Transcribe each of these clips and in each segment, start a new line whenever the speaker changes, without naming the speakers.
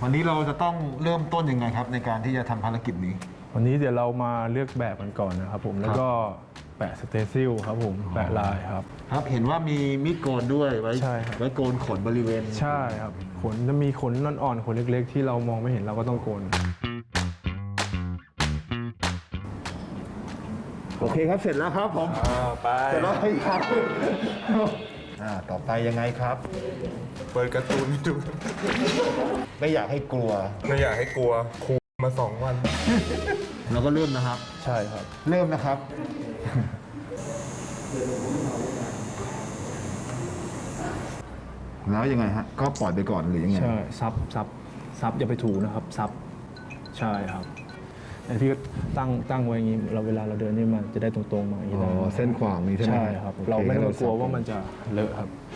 วันนี้เราจะต้องเริ่มต้นยังไงครับในการที่จะทำภารกิจนี้
วันนี้เดี๋ยวเรามาเลือกแบบกันก่อนนะครับผมแล้วก็แปะสเตซิลครับผมแปะลายครับ
ครับเห็นว่ามีมีดโกนด้วยไว้
ใช่ครับ
ไว้โกนขนบริเวณ
ใช่ครับขนจะมีขนอ่อนๆขนเล็กๆ ที่เรามองไม่เห็นเราก็ต้องโกน
โอเคครับเสร็จแล้วครับผม
ไป
เสร็จแล้วครับต่อไปยังไงครับ
เปิดการ์ตูนให้ดู
ไม่อยากให้กลัว
ไม่อยากให้กลัวครูมา2 วัน
เราก็เริ่มนะครับ
ใช่ครับ
เริ่มนะครับ แล้วยังไงฮะก็ปล่อยไปก่อนหรือยังไง
ใช่ซับอย่าไปถูนะครับซับใช่ครับแต่พี่ก็ตั้งไว้อย่างนี้เราเวลาเราเดินนี่มันจะได้ตรงๆมาอย่างนี้
อ๋อ
ได้
เส้นขวางนี้ใช่ไหม
ใช่ครับ
โอค
เราไม่ต้องกลัว
งั้นเร
ว่ามันจะเลอะครับใช่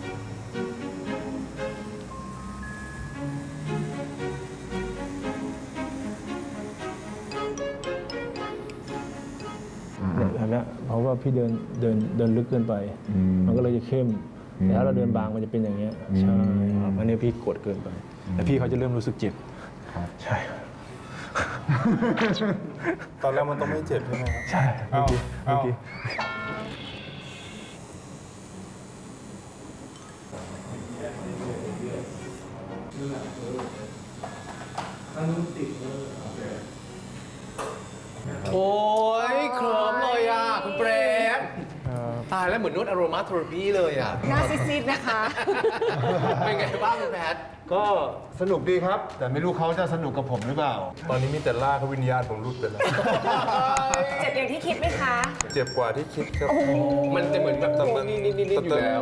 เห็นไหมเพราะว่าพี่เดินลึกเกินไป มันก็เลยจะเข้มแต่ถ้าเราเดินบางมันจะเป็นอย่างเงี้ยใช่ครับอันนี้พี่กดเกินไปแต่พี่เขาจะเริ่มรู้สึกเจ็บใช่ครับ
ตอนแรกมันต้องไม่เจ็บใช่ไหมครับ
ใช่เมื่อกี้
เอา
โอ้ยเคลิ้มเลยอ่ะ คุณเปรมตายแล้วเหมือนนวดอโรมาเทอราพีเลยอ่ะ
หน้าซีดๆนะคะ
เป็นไงบ้างคุณแพท
ก็สนุกดีครับ แต่ไม่รู้เขาจะสนุกกับผมหรือเปล่า
ตอนนี้มีแต่ล่ากเขาวิญญาณผมรุดไปแล้ว
เจ็บอย่างที่คิดไหมคะ
เจ็บกว่าที่คิดครับ
มันจะเหมือนแบบนิดๆอยู่แล้ว